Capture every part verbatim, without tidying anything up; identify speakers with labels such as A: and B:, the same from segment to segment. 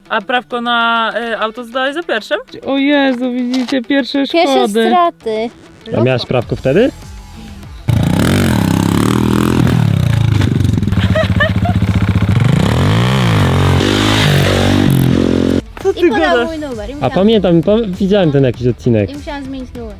A: A prawko na y, auto zdałeś za pierwszym?
B: O Jezu, widzicie, pierwsze szkody.
C: Pierwsze straty.
D: A miałaś prawko wtedy?
A: Co ty
C: I podał
A: gadasz?
C: mój numer. I
D: A
C: musiałam,
D: pamiętam, pa widziałem ten jakiś odcinek.
C: i musiałam zmienić numer.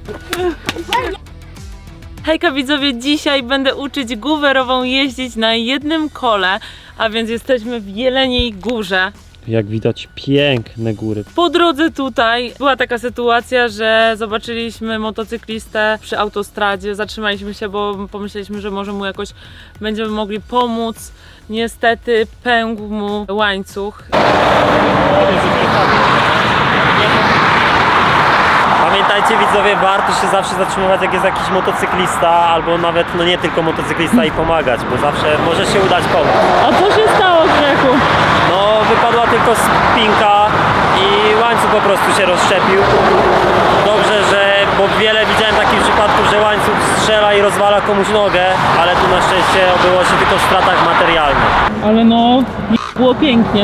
A: Hejka widzowie, dzisiaj będę uczyć Guwerową jeździć na jednym kole, a więc jesteśmy w Jeleniej Górze.
D: Jak widać, piękne góry.
A: Po drodze tutaj była taka sytuacja, że zobaczyliśmy motocyklistę przy autostradzie, zatrzymaliśmy się, bo pomyśleliśmy, że może mu jakoś będziemy mogli pomóc. Niestety pękł mu łańcuch.
D: Pamiętajcie widzowie, warto się zawsze zatrzymywać, jak jest jakiś motocyklista, albo nawet no nie tylko motocyklista i pomagać, bo zawsze może się udać pomóc.
A: A co się stało, Grzechu?
D: No wypadła tylko spinka i łańcuch po prostu się rozszczepił. Dobrze, że, bo wiele widziałem takich przypadków, że łańcuch strzela i rozwala komuś nogę, ale tu na szczęście obyło się tylko w stratach materialnych.
A: Ale no, było pięknie.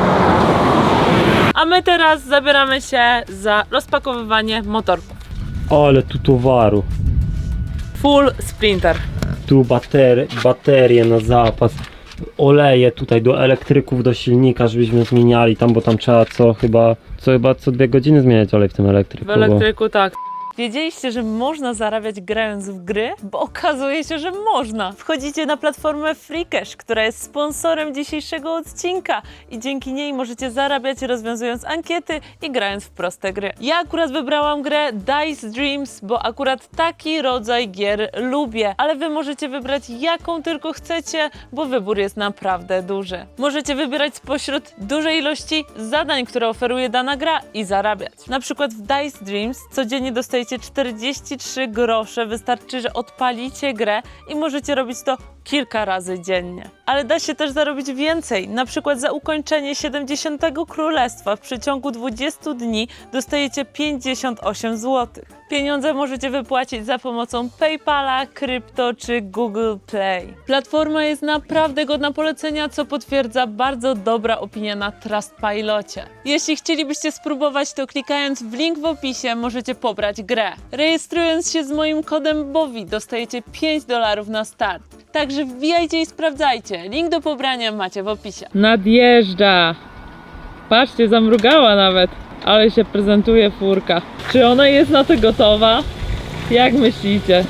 A: A my teraz zabieramy się za rozpakowywanie motorków.
D: Ale tu towaru.
A: Full Sprinter.
D: Tu baterie, baterie na zapas. Oleje tutaj do elektryków, do silnika, żebyśmy zmieniali tam, bo tam trzeba co chyba, co chyba co dwie godziny zmieniać olej w tym elektryku.
A: W elektryku tak. Wiedzieliście, że można zarabiać grając w gry? Bo okazuje się, że można. Wchodzicie na platformę Freecash, która jest sponsorem dzisiejszego odcinka i dzięki niej możecie zarabiać rozwiązując ankiety i grając w proste gry. Ja akurat wybrałam grę Dice Dreams, bo akurat taki rodzaj gier lubię, ale wy możecie wybrać jaką tylko chcecie, bo wybór jest naprawdę duży. Możecie wybierać spośród dużej ilości zadań, które oferuje dana gra i zarabiać. Na przykład w Dice Dreams codziennie dostajecie czterdzieści trzy grosze, wystarczy, że odpalicie grę i możecie robić to kilka razy dziennie. Ale da się też zarobić więcej, na przykład za ukończenie siedemdziesiątego królestwa w przeciągu dwudziestu dni dostajecie pięćdziesiąt osiem złotych. Pieniądze możecie wypłacić za pomocą PayPala, krypto czy Google Play. Platforma jest naprawdę godna polecenia, co potwierdza bardzo dobra opinia na Trustpilocie. Jeśli chcielibyście spróbować, to klikając w link w opisie możecie pobrać grę. Rejestrując się z moim kodem BOWI dostajecie pięć dolarów na start. Także wbijajcie i sprawdzajcie. Link do pobrania macie w opisie.
B: Nadjeżdża. Patrzcie, zamrugała nawet. Ale się prezentuje furka. Czy ona jest na to gotowa? Jak myślicie?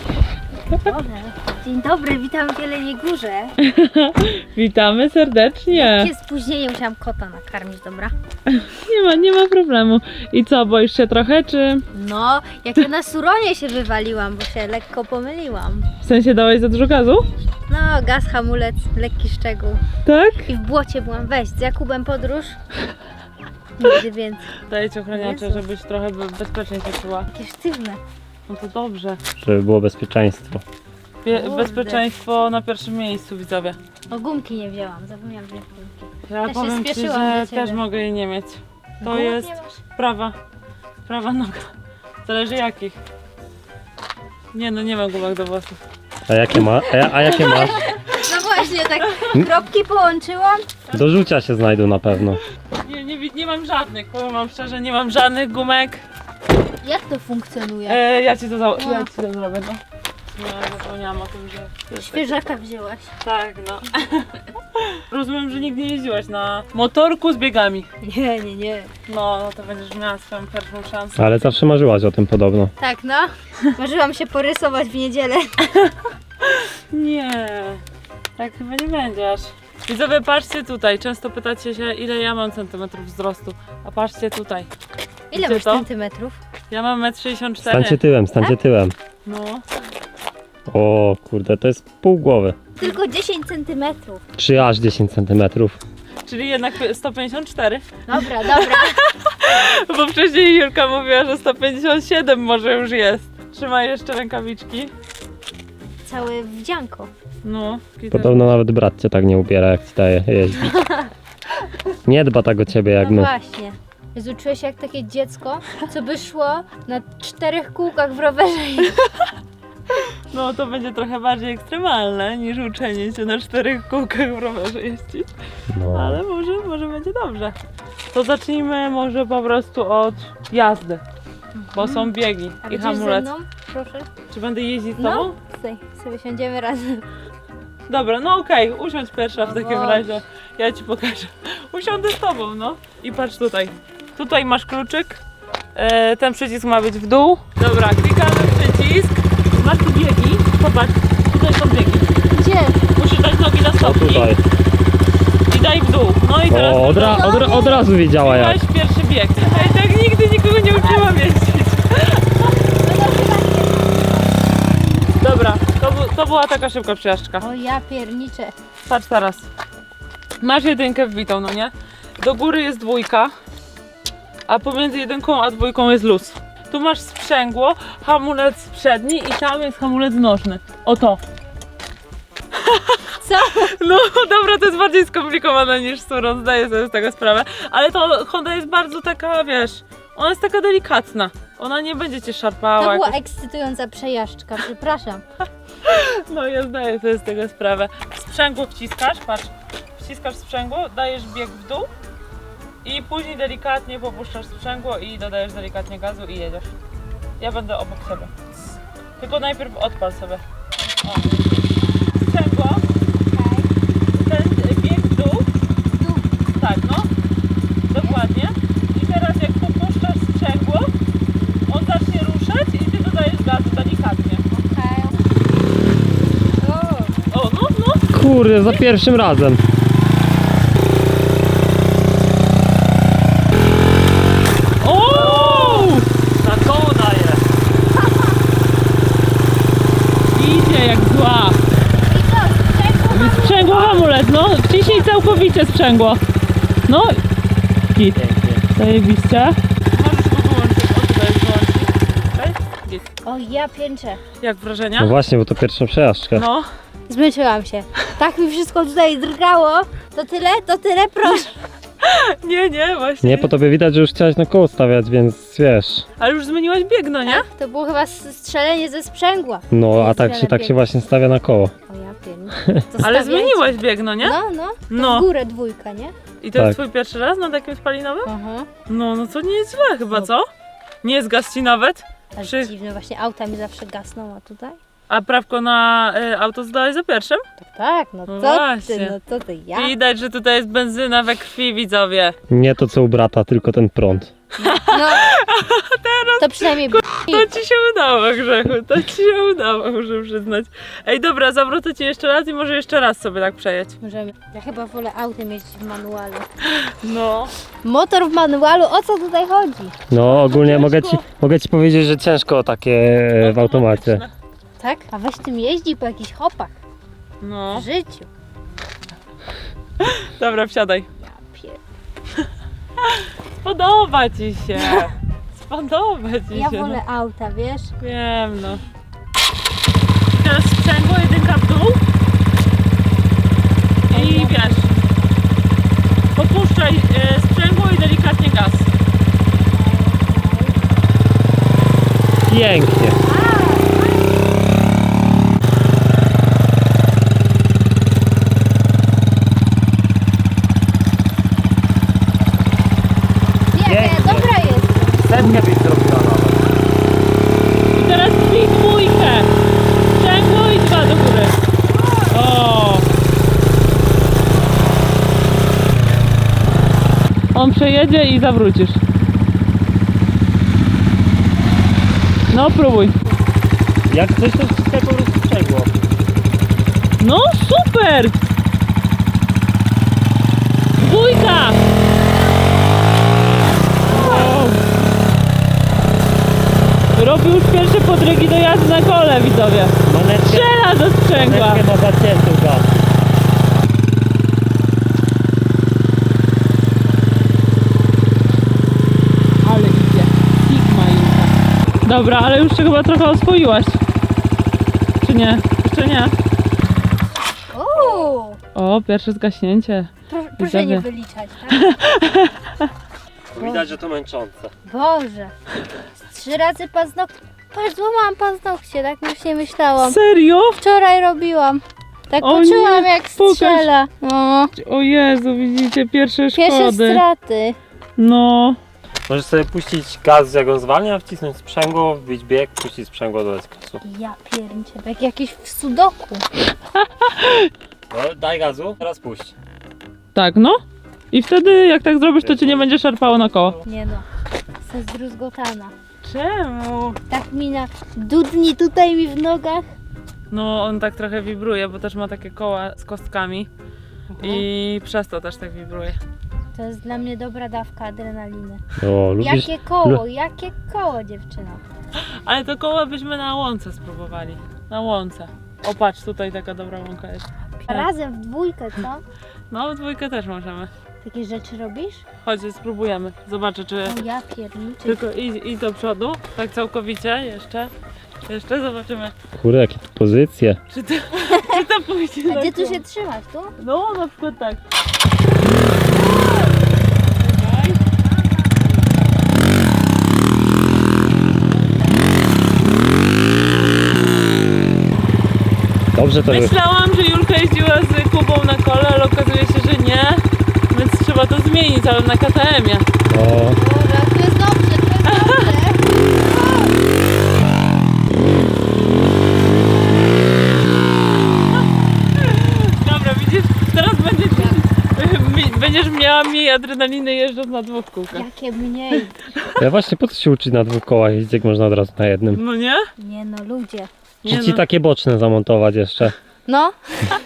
C: Dzień dobry, witam w Jeleniej Górze.
B: Witamy serdecznie.
C: Jakie spóźnienie, musiałam kota nakarmić, dobra?
B: Nie ma, nie ma problemu. I co, boisz się trochę, czy...
C: No, jak ja na suronie się wywaliłam, bo się lekko pomyliłam.
B: W sensie dałeś za dużo gazu?
C: No, gaz, hamulec, lekki szczegół.
B: Tak?
C: I w błocie byłam. Weź, z Jakubem podróż. Nigdy więcej.
A: Daję ci ochroniacze,
C: Jezu.
A: żebyś trochę be- bezpiecznie się czuła.
C: Jakie sztywne.
A: No to dobrze.
D: Żeby było bezpieczeństwo.
A: Bie-
C: Kurde.
A: bezpieczeństwo na pierwszym miejscu, widzowie.
C: O, gumki nie wzięłam, zapomniałam wziąć gumki.
A: Ja
C: Ja się
A: powiem ci,
C: spieszyłam
A: że
C: do ciebie.
A: też mogę jej nie mieć. To
C: Gumek
A: jest
C: nie masz?
A: prawa, prawa noga. Zależy jakich. Nie no, nie mam gumek do włosów.
D: A jakie, ma, a, ja- a jakie masz?
C: No właśnie, tak kropki połączyłam.
D: Do rzucia się znajdą na pewno.
A: Nie, nie, wi- nie mam żadnych, powiem wam szczerze, nie mam żadnych gumek.
C: Jak to funkcjonuje?
A: E, ja ci to, za-
C: No.
A: ja ci to zrobię, no. No, zapomniałam o tym, że...
C: Świeżaka wzięłaś.
A: Tak, no. Rozumiem, że nigdy nie jeździłaś na motorku z biegami.
C: Nie, nie, nie.
A: No, no to będziesz miała swoją pierwszą szansę.
D: Ale zawsze marzyłaś o tym podobno.
C: Tak, no. Marzyłam się porysować w niedzielę.
A: Nie, tak chyba nie będziesz. Widzowie, patrzcie tutaj. Często pytacie się, ile ja mam centymetrów wzrostu. A patrzcie tutaj.
C: Ile
A: Gdzie
C: masz
A: to?
C: centymetrów?
A: Ja mam metr sześćdziesiąt cztery.
D: Stańcie tyłem, stańcie tyłem.
A: No.
D: O kurde, to jest pół głowy.
C: Tylko dziesięć centymetrów.
D: Czy aż dziesięć centymetrów.
A: Czyli jednak sto pięćdziesiąt cztery.
C: Dobra, dobra.
A: Bo wcześniej Julka mówiła, że sto pięćdziesiąt siedem może już jest. Trzymaj jeszcze rękawiczki.
C: Całe wdzianko.
A: No.
D: Podobno nawet brat cię tak nie ubiera, jak ci daje jeździć. Nie dba tak o ciebie jak
C: No
D: my.
C: właśnie. Jezu, czuję się jak takie dziecko, co by szło na czterech kółkach w rowerze i
A: No to będzie trochę bardziej ekstremalne niż uczenie się na czterech kółkach w rowerze jeździć.
D: No.
A: Ale może, może będzie dobrze. To zacznijmy może po prostu od jazdy. Bo są biegi
C: A
A: i
C: będziesz ze
A: hamulec.
C: mną? Proszę.
A: Czy będę jeździć z
C: No,
A: tobą?
C: tutaj sobie siądziemy razem.
A: Dobra, no okej, usiądź pierwsza w
C: O
A: takim
C: Boże.
A: razie. Ja ci pokażę. Usiądę z tobą, no. I patrz tutaj. Tutaj masz kluczyk. E, ten przycisk ma być w dół. Dobra, klikamy przycisk. Masz tu biegi. Popatrz, tutaj są biegi.
C: Gdzie?
A: Musisz dać nogi na
D: O
A: stopni
D: tutaj.
A: i daj w dół. No i teraz
D: O, od, ra, od, ra, od razu wiedziała jak.
A: weź pierwszy bieg. Ej, tak nigdy nikogo nie uczyłam jeździć. Dobra, to, bu- to była taka szybka przejażdżka.
C: O ja pierniczę.
A: Patrz teraz. Masz jedynkę wbitą, no nie? Do góry jest dwójka, a pomiędzy jedynką a dwójką jest luz. Tu masz sprzęgło, hamulec przedni i tam jest hamulec nożny. Oto.
C: Co?
A: No dobra, to jest bardziej skomplikowane niż Suron, zdaję sobie z tego sprawę. Ale to Honda jest bardzo taka, wiesz, ona jest taka delikatna. Ona nie będzie cię szarpała.
C: To była
A: jakoś.
C: ekscytująca przejażdżka, przepraszam.
A: No ja zdaję sobie z tego sprawę. Sprzęgło wciskasz, patrz. Wciskasz sprzęgło, dajesz bieg w dół i później delikatnie popuszczasz sprzęgło i dodajesz delikatnie gazu i jedziesz. Ja będę obok siebie. Tylko najpierw odpal sobie. O. Sprzęgło, ten bieg w dół. Tak, no. Dokładnie. I teraz jak popuszczasz sprzęgło, on zacznie ruszać i ty dodajesz gazu delikatnie.
C: Okej. O,
A: O, no, no.
D: Kurde, za pierwszym razem.
A: O!
D: Na koło daje.
A: Idzie jak zła.
C: i co? Sprzęgło?
A: Sprzęgło hamulec, no. Wciśnij całkowicie sprzęgło. No. Git. Zajebiście. Możesz go wyłączyć. O, tutaj jest wyłączyć. Okej? Git.
C: O ja pięczę.
A: Jak wrażenia?
D: No właśnie, bo to pierwsza przejażdżka.
A: No.
C: Zmęczyłam się. Tak mi wszystko tutaj drgało. To tyle? To tyle? Proszę.
A: Nie, nie, właśnie.
D: Nie, po tobie widać, że już chciałaś na koło stawiać, więc wiesz.
A: Ale już zmieniłaś bieg, no nie?
C: To było chyba s- strzelenie ze sprzęgła.
D: No, a tak się, tak się właśnie stawia na koło.
C: O ja pierniczę. To
A: Ale
C: stawiajcie.
A: zmieniłaś bieg, no nie?
C: No, no. To
A: No.
C: w górę dwójka, nie?
A: I to jest
D: Tak.
A: twój pierwszy raz na takim spalinowym?
C: Aha.
A: No, no to nie jest źle chyba, co? Nie zgasł ci nawet?
C: Ale
A: Przy-
C: dziwne, właśnie auta mi zawsze gasną, a tutaj?
A: A prawko na y, auto zdałeś za pierwszym?
C: Tak, tak, no
A: No
C: to
A: właśnie.
C: ty, no to ty, ja.
A: Widać, że tutaj jest benzyna we krwi, widzowie.
D: Nie to co u brata, tylko ten prąd.
C: No, to przynajmniej b-
A: To ci się udało, Grzechu, to ci się udało, muszę przyznać. Ej, dobra, zawrócę ci jeszcze raz i może jeszcze raz sobie tak przejedź.
C: możemy. Ja chyba wolę autem jeździć w manualu.
A: No.
C: Motor w manualu, o co tutaj chodzi?
D: No ogólnie mogę ci,
A: ciężko.
D: mogę ci powiedzieć, że ciężko takie w automacie.
C: Tak? A weź tym jeździ po jakichś hopach
A: No.
C: w życiu.
A: Dobra, wsiadaj.
C: Ja pier...
A: Spodoba ci się. Spodoba ci
C: Ja
A: się.
C: wolę auta, wiesz?
A: No. Wiem, no. Teraz sprzęgło, jedynka w dół. I wiesz. Popuszczaj e, sprzęgło i delikatnie gaz.
D: Pięknie.
C: Jaka ja
D: Pięknie.
C: dobra jest.
D: Setkę byś zrobiła nawet.
A: I teraz drzwi dwójkę. Sprzęgło i dwa do góry. O. On przejedzie i zawrócisz. No próbuj.
D: Jak coś to wciskaj po prostu sprzęgło.
A: No super! Dwójka! Wow. Robi już pierwsze podrygi do jazdy na kole, widzowie.
D: Manetkę,
A: Strzela do sprzęgła.
D: manetkę ma zaciętą gaz.
A: Ale idzie. Sigma Juka. Dobra, ale już się chyba trochę oswoiłaś. Czy nie? Jeszcze nie.
C: Uuu,
A: O, pierwsze zgaśnięcie.
C: proszę, proszę nie
A: Widzowie.
C: wyliczać, tak?
D: Widać, że to męczące.
C: Boże. Z trzy razy paznokcie. Patrz, złamałam paznokcie, tak już nie myślałam.
B: Serio?
C: Wczoraj robiłam. Tak
B: O
C: poczułam
B: nie,
C: jak
B: pokaż.
C: strzela. No.
B: O Jezu, widzicie, pierwsze szkody.
C: Pierwsze straty.
B: No,
D: Możesz sobie puścić gaz, jak on zwalnia, wcisnąć sprzęgło, wbić bieg, puścić sprzęgło, dodać gazu.
C: Ja pierniczę, jak jakiś w sudoku.
D: No, daj gazu, teraz puść.
B: tak no. I wtedy jak tak zrobisz, to cię nie będzie szarpało na koło.
C: Nie no, jestem zdruzgotana.
B: Czemu?
C: Tak mi na dudni tutaj mi w nogach.
B: No on tak trochę wibruje, bo też ma takie koła z kostkami. I przez to też tak wibruje.
C: To jest dla mnie dobra dawka adrenaliny.
D: O, lubisz...
C: Jakie koło, jakie koło, dziewczyno.
B: Ale to koło byśmy na łące spróbowali. Na łące. O patrz, tutaj taka dobra łąka jest.
C: Razem w dwójkę, co?
B: No w dwójkę też możemy.
C: Takie rzeczy robisz?
B: Chodź, spróbujemy. Zobaczę, czy...
C: O ja pierniczę.
B: Tylko idź, idź do przodu, tak całkowicie, jeszcze. Jeszcze zobaczymy,
D: Kurde, jakie tu pozycje.
B: czy to, czy to pójdzie
C: A
B: na
C: gdzie tu
B: koło.
C: się trzymasz, tu?
B: No, na przykład tak.
D: Dobrze to jest.
B: Myślałam, że Julka jeździła z Kubą na kole, ale okazuje się, że nie. Więc trzeba to zmienić, ale na K T M-ie.
D: O,
C: Dobra, to jest dobrze, to jest dobrze.
B: Dobra, widzisz, teraz będziesz, mi- będziesz miała mniej adrenaliny jeżdżąc na dwóch kółkach.
C: Jakie mniej.
D: ja właśnie po co się uczyć na dwóch kołach jeździć, jak można od razu na jednym?
B: No nie?
C: Nie no, ludzie.
B: Nie
D: Czy ci
B: no.
D: takie boczne zamontować jeszcze?
C: No,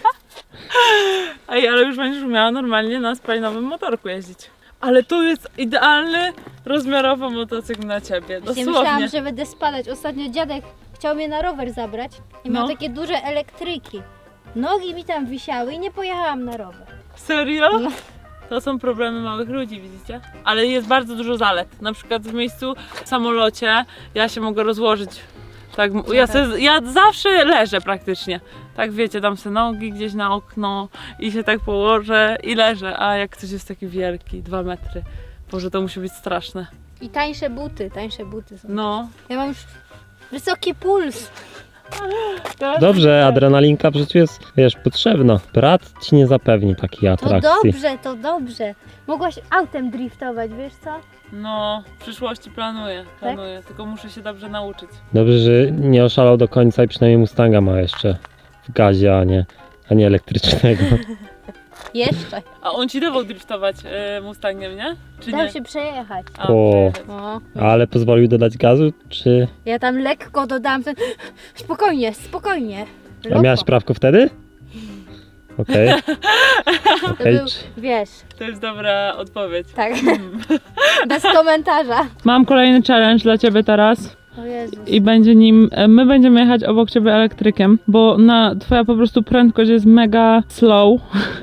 B: Ej, ale już będziesz miała normalnie na spalinowym motorku jeździć. Ale tu jest idealny rozmiarowo motocykl na ciebie,
C: właśnie
B: dosłownie.
C: myślałam, że będę spadać. Ostatnio dziadek chciał mnie na rower zabrać i miał
B: No.
C: takie duże elektryki. Nogi mi tam wisiały i nie pojechałam na rower.
B: Serio?
C: No.
B: To są problemy małych ludzi, widzicie? Ale jest bardzo dużo zalet. Na przykład w miejscu w samolocie ja się mogę rozłożyć. Tak, ja, se, ja zawsze leżę praktycznie. Tak wiecie, dam sobie nogi gdzieś na okno i się tak położę i leżę. A jak ktoś jest taki wielki, dwa metry, Boże, to musi być straszne.
C: I tańsze buty, tańsze buty są.
B: No.
C: Ja mam już wysoki puls.
D: Dobrze, adrenalinka w życiu jest, wiesz, potrzebna. Brat ci nie zapewni takiej
C: To
D: atrakcji.
C: dobrze, to dobrze. Mogłaś autem driftować, wiesz co?
B: No, w przyszłości planuję, planuję, tylko muszę się dobrze nauczyć.
D: Dobrze, że nie oszalał do końca i przynajmniej Mustanga ma jeszcze w gazie, a nie, a nie elektrycznego.
C: Jeszcze.
B: A on ci dawał driftować e, Mustangiem, nie? Czy
C: Dał
B: nie?
C: się przejechać.
B: A,
D: O.
B: przejechać.
C: O.
D: Ale pozwolił dodać gazu, czy...
C: Ja tam lekko dodałam ten... Spokojnie, spokojnie.
D: A
C: Loko.
D: miałaś prawko wtedy? Okej.
C: To
D: Okej.
C: był, wiesz,
B: To jest dobra odpowiedź.
C: tak. Bez komentarza.
B: Mam kolejny challenge dla ciebie teraz.
C: O Jezus.
B: I będzie nim, e, my będziemy jechać obok ciebie elektrykiem, bo na, twoja po prostu prędkość jest mega slow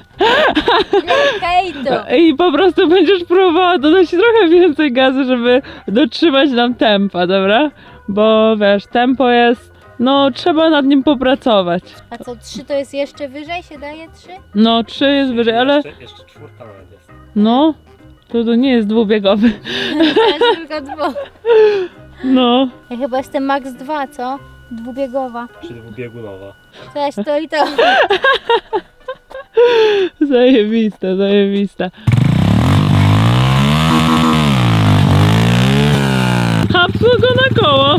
C: Hejto.
B: i po prostu będziesz próbowała dodać trochę więcej gazu, żeby dotrzymać nam tempa, dobra? Bo wiesz, tempo jest, no trzeba nad nim popracować.
C: A co, trzy to jest jeszcze wyżej? Się daje trzy?
B: No trzy jest wyżej, ale
D: Jeszcze, jeszcze czwórka nawet jest.
B: no, to, to nie jest dwubiegowy.
C: To jest tylko dwu.
B: No,
C: Ja chyba jestem max dwa, co? Dwubiegowa.
D: Czy dwubiegunowa.
C: Cześć, to i to.
B: zajebiste, zajebiste. Hapsło go na koło.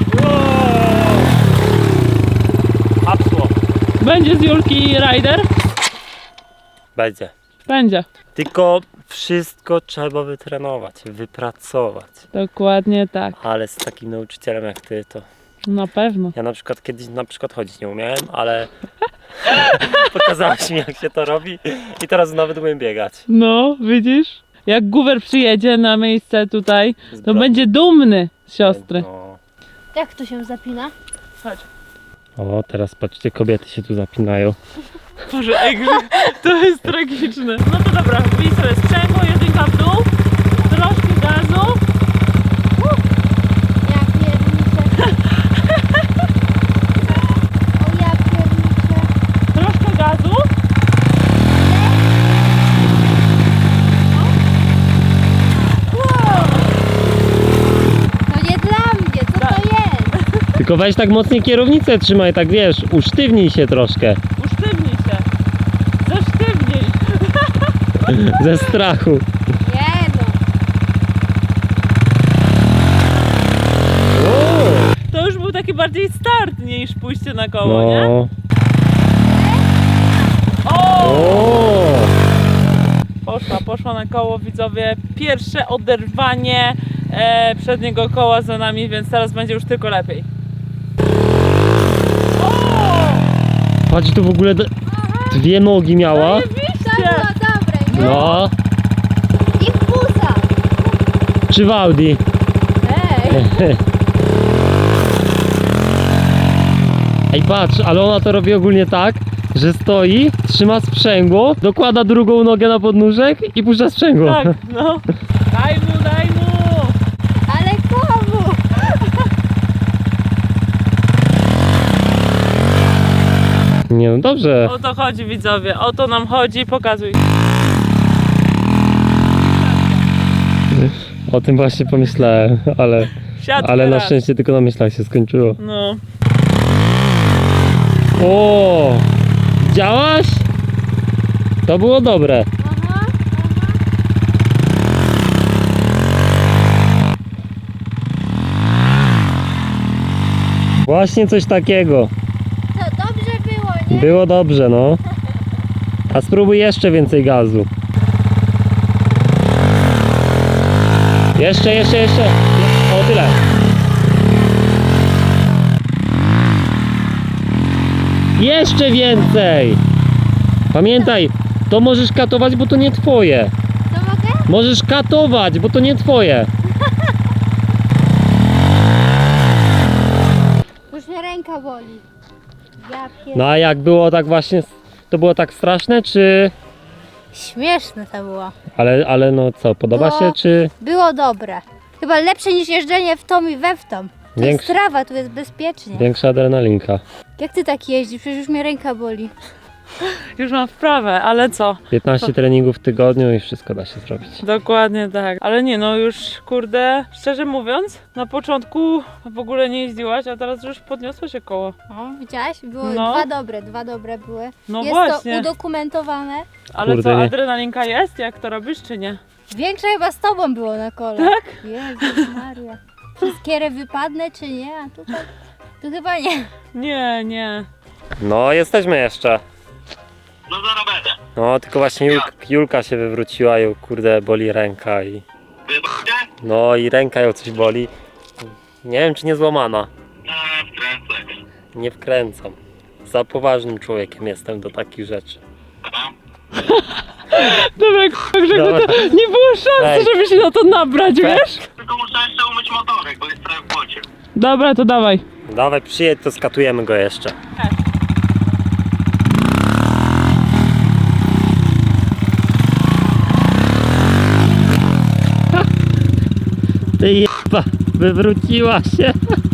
D: Hapsło.
B: Będzie z Julki rider?
D: Będzie.
B: Będzie.
D: Tylko wszystko trzeba wytrenować, wypracować.
B: Dokładnie tak.
D: Ale z takim nauczycielem jak ty, to
B: Na pewno.
D: ja na przykład kiedyś na przykład chodzić nie umiałem, ale pokazałaś mi jak się to robi i teraz nawet umiem biegać.
B: No, widzisz? Jak Guwer przyjedzie na miejsce tutaj,
D: Z
B: to
D: bra-
B: będzie dumny z siostry.
D: No.
C: Jak tu się zapina?
B: Chodź.
D: O, teraz patrzcie, kobiety się tu zapinają.
B: Boże, ej, to jest tragiczne. No to dobra, wbij sobie sprzęgło, jedynka w dół, troszkę gazu.
C: Ja pierniczę. O ja pierniczę.
B: Troszkę gazu.
C: Wow. To nie dla mnie, co to jest?
D: Tylko weź tak mocniej kierownicę trzymaj, tak wiesz, usztywnij się troszkę.
B: Usztywnij się. Zesztywnij.
D: Ze strachu.
C: Nie no.
D: O,
B: To już był taki bardziej start niż pójście na koło, nie?
D: no.
B: O!
D: O.
B: Poszła, poszła na koło, widzowie. Pierwsze oderwanie e, przedniego koła za nami, więc teraz będzie już tylko lepiej. O!
D: Patrz, tu w ogóle d- dwie nogi miała.
C: To
B: Zajebiście!
C: było dobre, nie?
D: No.
C: I w buza.
D: Czy w Audi?
C: Ej.
D: Ej, patrz, ale ona to robi ogólnie tak, że stoi, trzyma sprzęgło, dokłada drugą nogę na podnóżek i puszcza sprzęgło.
B: Tak, no. Daj mu, daj mu!
C: Ale komu?
D: Nie, no dobrze.
B: O to chodzi, widzowie, o to nam chodzi, pokazuj.
D: O tym właśnie pomyślałem, ale,
B: Siadł
D: ale na
B: teraz.
D: szczęście tylko na myślach się skończyło.
B: No.
D: O! Widziałaś? To było dobre.
C: Aha,
D: Właśnie coś takiego.
C: aha. To dobrze było, nie?
D: Było dobrze, no. A spróbuj jeszcze więcej gazu. Jeszcze, jeszcze, jeszcze. O, tyle. Jeszcze więcej. Pamiętaj, to możesz katować, bo to nie twoje.
C: To mogę?
D: Możesz katować, bo to nie twoje.
C: Już mnie ręka boli. Ja pier...
D: No a jak było tak właśnie, to było tak straszne, czy...
C: Śmieszne to było.
D: Ale, ale no co, podoba
C: Było-
D: się, czy...
C: Było dobre. Chyba lepsze niż jeżdżenie w tom i we w tom. To
D: Większy-
C: jest trawa, tu jest bezpiecznie.
D: Większa adrenalinka.
C: Jak ty tak jeździsz? Przecież już mnie ręka boli.
B: Już mam wprawę, ale co?
D: piętnaście treningów w tygodniu i wszystko da się zrobić.
B: Dokładnie tak. Ale nie, no już kurde, szczerze mówiąc, na początku w ogóle nie jeździłaś, a teraz już podniosło się koło.
C: O, widziałaś? Było
B: No.
C: dwa dobre, dwa dobre były.
B: No
C: jest
B: właśnie.
C: to udokumentowane.
B: Ale
D: Kurde,
B: co,
D: nie.
B: adrenalinka jest, jak to robisz, czy nie?
C: Większe chyba z tobą było na kole.
B: Tak?
C: Jezus Maria. Czy skierę wypadnę, czy nie? A tutaj, tu chyba nie.
B: Nie, nie.
D: No, jesteśmy jeszcze.
E: No zaraz będę.
D: No, tylko właśnie Jul Julka się wywróciła i kurde boli ręka i...
E: Wybaczcie?
D: No i ręka ją coś boli. Nie wiem, czy nie złamana.
E: A, wkręcę.
D: Nie wkręcam. Za poważnym człowiekiem jestem do takich rzeczy.
E: Aha.
B: Dobra, k***a, Grzegorz,
D: Dobra.
B: to nie było szansy,
D: Ej.
B: żeby się na to nabrać, wiesz?
E: Tylko muszę jeszcze umyć motorek, bo jest trochę w błocie.
B: Dobra, to dawaj.
D: Dawaj, przyjedź, to skatujemy go jeszcze. Ty jeba, wywróciła się.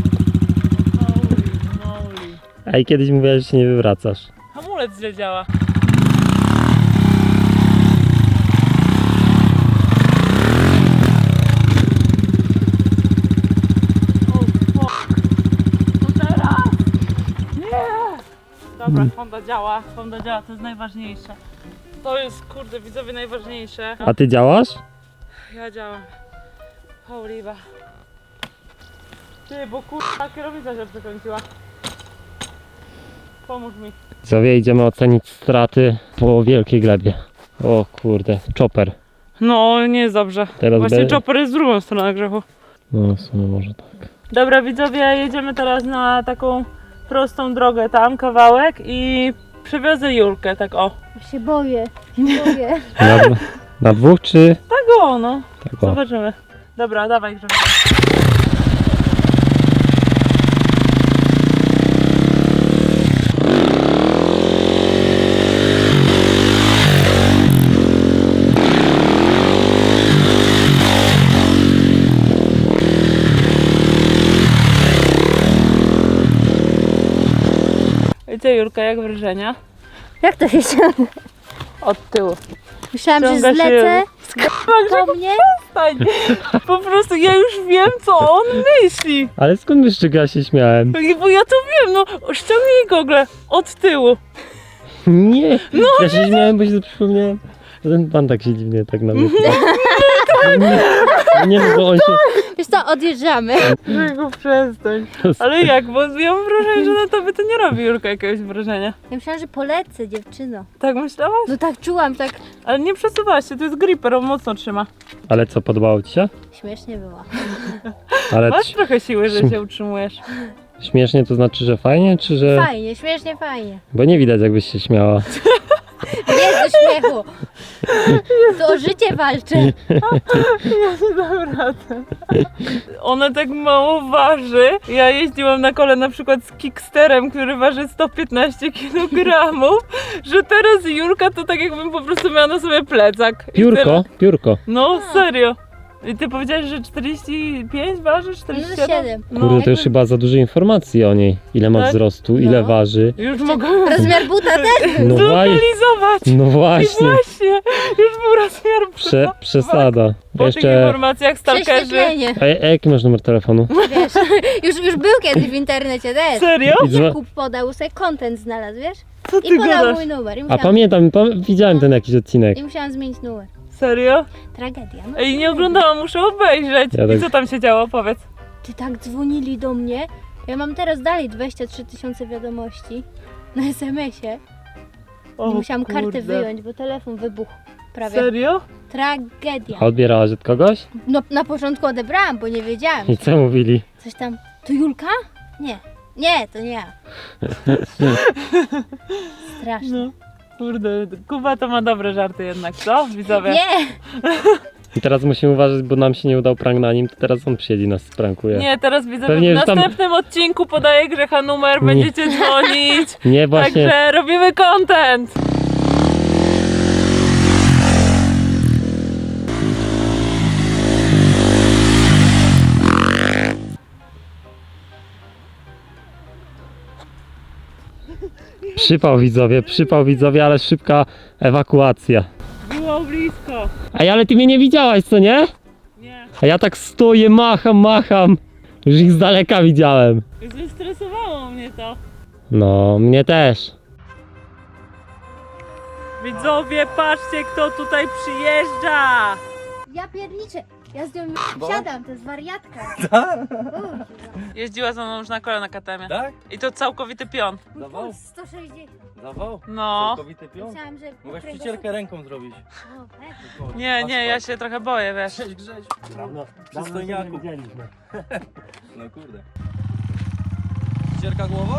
D: Ej, kiedyś mówiłaś, że się nie wywracasz.
B: Hamulec źle działa. O, fuck. To teraz? Nie! Dobra, Honda działa, Honda działa, to jest najważniejsze. To jest, kurde, widzowie, najważniejsze.
D: A ty działasz?
B: Ja działam. Hołliwa. Ty, bo kurwa kierownica się przekręciła. Pomóż mi.
D: Zowie, idziemy ocenić straty po wielkiej glebie. O kurde, chopper.
B: No, nie jest dobrze.
D: Teraz
B: Właśnie
D: be-
B: chopper jest z drugą stroną grzechu.
D: No w sumie może tak.
B: Dobra, widzowie, jedziemy teraz na taką prostą drogę tam, kawałek i przewiozę Julkę, tak o.
C: Ja się boję, się boję.
D: Na, na dwóch czy...
B: Tak o, no.
D: Tak o.
B: Zobaczymy. Dobra, dawaj grzechu. I co, Julka, jak wrażenia?
C: Jak to się ciągnie?
B: Od tyłu.
C: Myślałam, że
B: Ciąga się-
C: zlecę z Po mnie?
B: Stań. Po prostu ja już wiem, co on myśli.
D: Ale skąd wiesz, czego ja się śmiałem?
B: Bo ja to wiem, no ściągnij gogle od tyłu.
D: Nie, ja się śmiałem, bo się przypomniałem. że Ten pan tak się dziwnie tak na mnie. Nie, nie, bo on się...
C: Wiesz co, odjeżdżamy.
B: Czego przestań. Ale jak, bo ja mam wrażenie, że na tobie to nie robi Julka jakiegoś wrażenia.
C: Ja myślałam, że polecę, dziewczyno.
B: Tak myślałaś?
C: No tak czułam, tak
B: Ale nie przesuwałaś się, to jest gripper, on mocno trzyma.
D: Ale co, podobało ci się?
C: śmiesznie było.
D: Ale
B: Masz
D: c-
B: trochę siły, że się utrzymujesz.
D: śmiesznie to znaczy, że fajnie, czy że...
C: Fajnie, śmiesznie, fajnie.
D: Bo nie widać, jakbyś się śmiała.
C: Jest do śmiechu. To o życie walczy.
B: Ja nie dam rady. Ona tak mało waży. Ja jeździłam na kole na przykład z Kicksterem, który waży sto piętnaście kilogramów, że teraz Julka to tak jakbym po prostu miała na sobie plecak. I
D: Piórko,
B: tyle.
D: piórko.
B: No serio. I ty powiedziałeś, że czterdzieści pięć waży? czterdzieści siedem?
C: No siedem.
D: Kurde, to już chyba za dużo informacji o niej. Ile ma
B: Tak?
D: wzrostu, ile
C: No.
D: waży.
B: Już mogę
C: Rozmiar buta też był.
D: No właśnie,
B: zlokalizować.
D: no
B: I
D: właśnie.
B: właśnie, już był rozmiar
D: Prze, przesada.
B: Po tych
D: Jeszcze...
B: informacjach stalkerzy.
C: Prześwietlenie.
D: A, a jaki masz numer telefonu?
C: Wiesz, już, już był kiedyś w internecie też.
B: Serio?
D: I dzwo-
C: Kup podał, sobie content znalazł, wiesz?
B: Co ty
C: I podał
B: gadasz?
C: mój numer. I
D: A
C: musiałam,
D: pamiętam, pam- widziałem ten jakiś odcinek.
C: I musiałam zmienić numer.
B: Serio?
C: Tragedia. No.
B: Ej, nie oglądałam, muszę obejrzeć.
D: Ja
B: I
D: tak-
B: co tam się działo? Powiedz.
C: Ty tak dzwonili do mnie. Ja mam teraz dalej dwadzieścia trzy tysiące wiadomości na es em esie.
B: O,
C: I musiałam kartę
B: kurde.
C: wyjąć, bo telefon wybuchł. Prawie.
B: Serio?
C: Tragedia.
D: A odbierałaś od kogoś?
C: No na początku odebrałam, bo nie wiedziałam.
D: I co mówili?
C: Coś tam. To Julka? Nie. Nie, to nie ja. Straszne.
B: No. Kurde, Kuba to ma dobre żarty jednak, co? Widzowie.
C: Nie!
D: I teraz musimy uważać, bo nam się nie udał prank na nim, to teraz on przyjedzie nas sprankuje.
B: Nie, teraz widzę,
D: Pewnie,
B: w
D: że tam-
B: następnym odcinku podaję Grzecha numer,
D: Nie.
B: będziecie dzwonić.
D: Nie, właśnie.
B: Także robimy content.
D: Przypał widzowie, przypał widzowie, ale szybka ewakuacja.
B: Było blisko.
D: Ej, ale ty mnie nie widziałaś, co nie?
B: Nie.
D: A ja tak stoję, macham, macham. Już ich z daleka widziałem.
B: Zestresowało mnie to.
D: No, mnie też.
B: Widzowie, patrzcie kto tutaj przyjeżdża.
C: Ja pierniczę. Ja z nią siadam, to jest wariatka.
B: Jeździła ze mną już na kole na katemie.
F: Tak?
B: I to całkowity pion.
F: Zawał?
C: sto sześćdziesiąt.
F: Zawał?
B: No.
F: Całkowity pion?
C: Myślałam, że
F: Mogłaś
C: kręgosłup-
F: przycielkę ręką zrobić.
C: O, pewnie.
B: Nie, nie, ja się trochę boję, wiesz.
F: Cześć Grześ. Przystojniaku. No kurde. Przycielka głowa?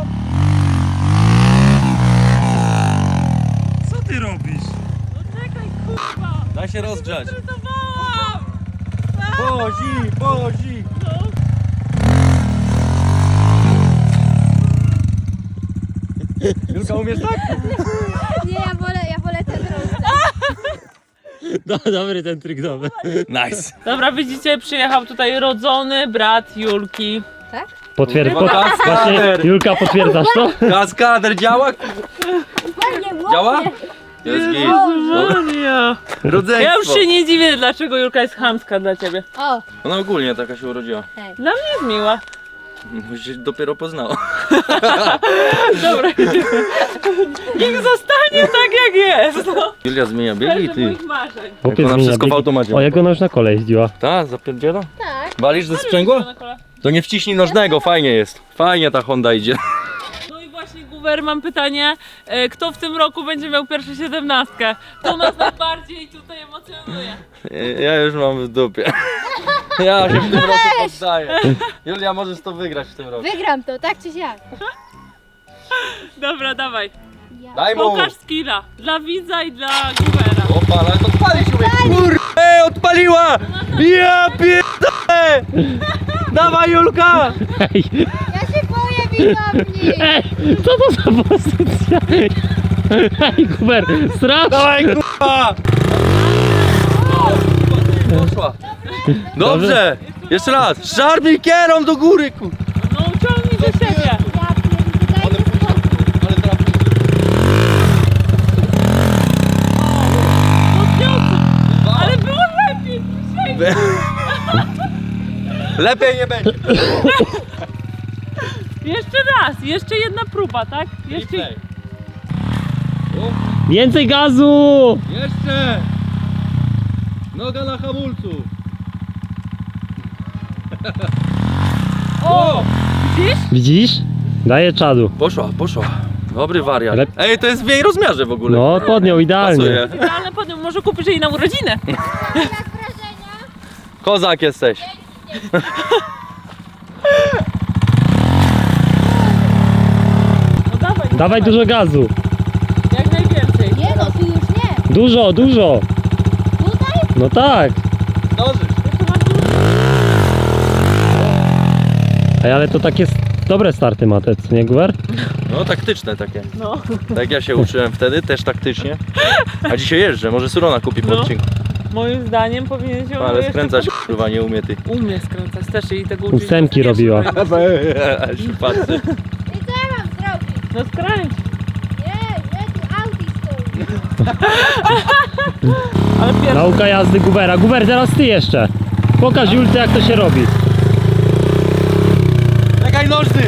F: Co ty robisz?
B: No czekaj, kurwa.
F: Daj się rozgrzać.
B: Stresowałam.
F: Pozi, pozi.
B: No.
F: Julka, umiesz tak?
C: Nie, ja wolę, ja wolę ten rozdział.
D: No, dobry ten trik, dobry.
F: Nice.
B: Dobra, widzicie, przyjechał tutaj rodzony brat Julki.
C: Tak?
D: Potwierdz,
F: Kurwa,
D: pot...
F: kaskader.
D: Właśnie, Julka, potwierdzasz to?
F: Kaskader działa?
C: Ładnie,
F: Działa?
C: ładnie.
F: Jest git.
B: Maria.
F: Rodzeństwo.
B: Ja już się nie dziwię, dlaczego Julka jest chamska dla ciebie.
C: O,
F: Ona ogólnie taka się urodziła.
B: Dla mnie jest miła.
F: Bo się dopiero poznała.
B: Dobra, niech zostanie tak jak jest. No.
F: Julia zmienia biegi,
B: Serce
F: ty.
B: moich marzeń.
D: Chłopiec
F: ona
D: zmienia
F: wszystko w
D: biegi.
F: automacie
D: O,
F: ma.
D: jak ona już na kole jeździła.
F: Ta, zapierdziela?
C: tak.
F: Walisz ze sprzęgła?
B: Na kole.
F: To nie wciśnij nożnego, fajnie jest. Fajnie ta Honda idzie.
B: No i właśnie, Guwer, mam pytanie, e, kto w tym roku będzie miał pierwszą siedemnastkę? To nas najbardziej tutaj emocjonuje.
F: Ja już mam w dupie. Ja się w tym roku poddaję. Julia, możesz to wygrać w tym roku.
C: Wygram to, tak czy siak.
B: Dobra, dawaj.
C: Ja.
F: Daj mu!
B: Pokaż skilla. Dla widza i dla Guwera.
F: Opa, ale to odpalić umie. Kurde, odpaliła! Ja pierdolę! Dawaj Julka!
D: Ej,
C: Ja się boję widowni.
D: ej, co to za pozycja? Ej, Kuber, strasznie.
F: Dawaj kurwa! Poszła. Dobrze! Jeszcze raz! Szarpnij kierą do góry kur...
B: No uciągnij do siebie.
C: Ja pierdolę, daj mi spokój.
F: Ale teraz...
B: Podniosę. Ale było
F: Lepiej nie będzie.
B: Jeszcze raz, jeszcze jedna próba, tak? Jeszcze...
F: Replay.
D: Więcej gazu!
F: Jeszcze! Noga na hamulcu.
B: O! Widzisz?
D: Widzisz? Daje czadu.
F: Poszła, poszła. Dobry wariat.
D: Ale-
F: Ej, to jest w jej rozmiarze w ogóle.
D: No, podniął idealnie.
F: Pasuje.
B: Idealne podniósł, może kupisz jej na urodzinę.
F: Kozak jesteś.
B: No dawaj,
D: Dawaj dużo gazu.
B: jak najwięcej.
C: Nie no, tu już nie.
D: Dużo, dużo.
C: Tutaj?
D: No tak.
F: Zdążysz.
B: Jeszcze masz dużo.
D: Ej, ale to takie s- dobre starty ma te, co nie, Guwer?
F: No, taktyczne takie.
B: No.
F: Tak ja się uczyłem wtedy, też taktycznie. A dzisiaj jeżdżę, może Surona kupi po
B: No.
F: odcinku.
B: Moim zdaniem powinien się
F: Ale
B: jeszcze
F: skręcać kurwa nie umie ty.
B: Umie skręcać też i tego uczyć.
D: Ósemki
B: to
D: robiła.
B: wiesz,
F: Się patrzy.
C: I co ja mam zrobić?
B: No skręć.
C: Nie, nie, tu Audi stoi.
B: Ale pierwszy.
D: Nauka jazdy Guwera. Guwer, teraz ty jeszcze. Pokaż Julce, jak to się robi.
F: Czekaj nożny!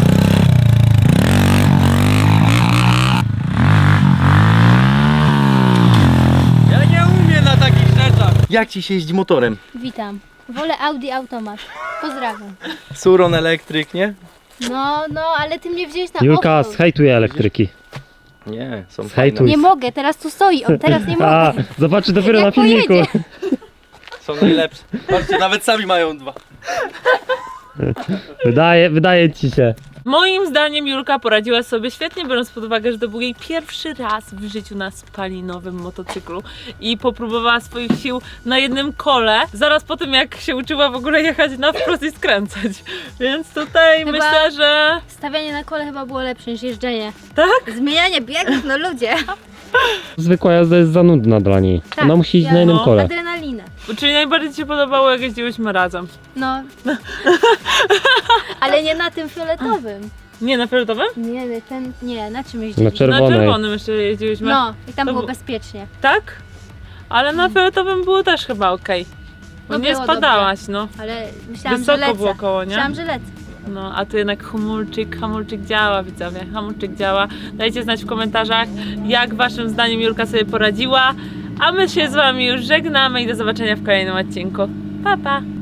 F: Ja nie umiem na takich rzeczach. Jak ci się jeździ motorem?
C: Witam. Wolę Audi automat. Pozdrawiam.
F: Suron elektryk, nie?
C: No, no, ale ty mnie wziąłeś na
D: Julka
C: offroad.
D: zhejtuje elektryki.
F: Nie, są
D: Hejtuj.
F: fajne.
C: Nie mogę, teraz tu stoi, on teraz nie
D: A,
C: mogę.
D: zobaczy dopiero
C: Jak
D: na filmiku.
C: pojedzie.
F: Są najlepsze. Patrzcie, nawet sami mają dwa.
D: Wydaje, wydaje ci się.
B: Moim zdaniem Julka poradziła sobie świetnie, biorąc pod uwagę, że to był jej pierwszy raz w życiu na spalinowym motocyklu i popróbowała swoich sił na jednym kole, zaraz po tym jak się uczyła w ogóle jechać na wprost i skręcać. Więc tutaj
C: Chyba-
B: myślę, że
C: Stawianie na kole chyba było lepsze niż jeżdżenie.
B: tak?
C: Zmienianie biegów, no ludzie.
D: Zwykła jazda jest za nudna dla niej.
C: Tak,
D: Ona musi iść
C: ja-
D: na jednym
B: no.
D: kole.
C: Adrenalina.
B: Czyli najbardziej Ci się podobało, jak jeździłyśmy razem.
C: No. Ale nie na tym fioletowym.
B: Nie, na fioletowym?
C: Nie, nie, ten, nie, na czym
D: Na
C: jeździliśmy?
B: Na
D: czerwonej.
B: czerwonym jeszcze jeździłyśmy.
C: No, i tam
B: To
C: było
B: bu-
C: bezpiecznie.
B: Tak? Ale na fioletowym było też chyba okej. Bo
C: No
B: nie
C: było
B: spadałaś, no.
C: Ale myślałam,
B: Wysoko
C: że lecę.
B: było koło, nie?
C: Myślałam, że lecę.
B: No, a tu jednak hamulczyk, hamulczyk działa, widzowie, hamulczyk działa. Dajcie znać w komentarzach, jak waszym zdaniem Julka sobie poradziła. A my się z wami już żegnamy i do zobaczenia w kolejnym odcinku. Pa, pa!